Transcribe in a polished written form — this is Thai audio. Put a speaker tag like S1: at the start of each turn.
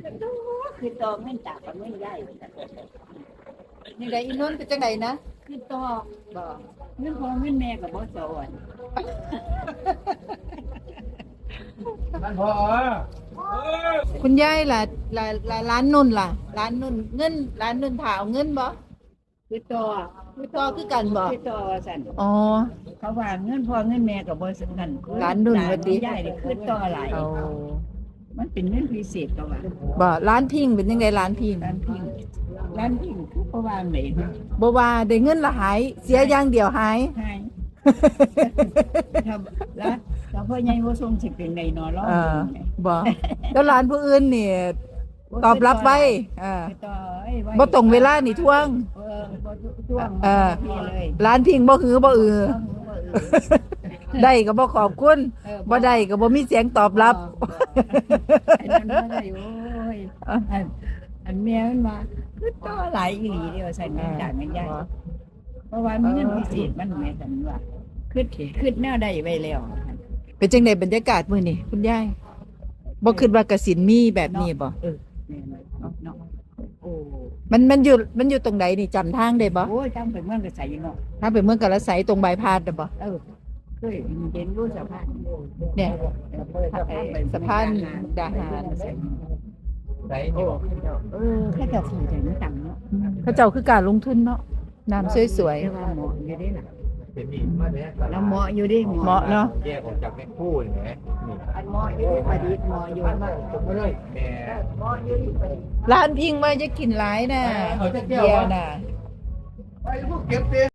S1: คือต่อเงินจากกับเงินใหญ่
S2: นี่ได้อีนนท์เป็นจังไดนะ
S1: คือต่อบ่เงินพ่อเงินแม่กับบ่สอน
S3: นั่นพอ
S2: คุณยายล่ะร้านนุ่นล่ะร้านนุ่นเงินร้านนุ่นถาเอาเงินบ่
S1: คือต่อ
S2: คือต่อคือกันบ่
S1: คือต่อสั่น
S2: อ๋อ
S1: เขาว่าเงินพ่อเงินแม่กับบ่สำคัญ
S2: ร้านนุ่นว่าติ
S1: ใหญ่นี่คือต่อหลาย
S2: เอา
S1: มันเป็นเงินพิเศษก็ว่า
S2: บ่ร้านพิงเป็นจังไดร้านพิง
S1: ร้านพิงร้านพิงคือเพราะว่าไหน
S2: บ่ว่าได้เงินละหายเสียอย่างเดียวหาย
S1: ให้ถ้าแล้วถ้าพ่อใหญ่บ่ส่งสิเป็นไดเนาะร้อง
S2: เออบ่แล้วร้านผู้อื่นนี่ตอบรับไว้
S1: คือต่อเอ้ยไว้
S2: บ่ตรงเวลานี่ทวง
S1: บ่ท่วง
S2: เออ
S1: พี่เลย
S2: ร้านพิงบ่หือบ่อือ ได้ก็บ่ขอบคุณบ่ได้ก็บ่มีเสียงตอบรับ
S1: อันนั้นบ่ได้โอ้ยอันแม่มันว่าคือต่อหลายอีหลีเดียวใส่เงินจากเงินใหญ่เพราะว่ามีเงินพิเศษมันแม่สันว่าคือแนวใดไว้แล้ว
S2: เป็นจังไดบรรยากาศมื้อนี้คุณยายบ่คิดว่ากสิณมีแบบนี้บ่
S1: แม่เนาะโอ้
S2: มันอยู่ตรงใดนี่จำทางได้บ่
S1: โอ้ยจำเป็นเมืองก็ใส่เนาะ
S2: ถ้าไปเมืองกาฬสินธุ์ตรงบายพาสน่ะบ่
S1: เคยเห็นรู้สะพาน
S2: เนี่ยสะพานดาหาร
S3: ไหนนี่บอก
S1: แค่จะสีแต่ไม่ต่ำเนาะ
S2: เขาเจ้าคือการลงทุนเนาะน้ำสวย
S1: แต่ว่าเหมาะอยู่ได้ล่ะ
S3: เป็นนี่มาเนี่ย
S1: แล้วเหมาะอยู่ได้
S2: ๆเหมาะเนาะ
S3: แยกออกจากแม่คู่เห็นไหมนี่
S1: อันเหมาะอยู่ได้ประดิษฐ์เหมาะอยู่มาก
S3: มาเลยแม่
S1: เหมาะอยู่ที่ประดิษฐ์
S2: ร้านพิงว่าจะกินหลายน่ะ
S3: เอาจักแก้ว
S2: เบียร์น่ะ
S3: ไปพวกเก็บเต็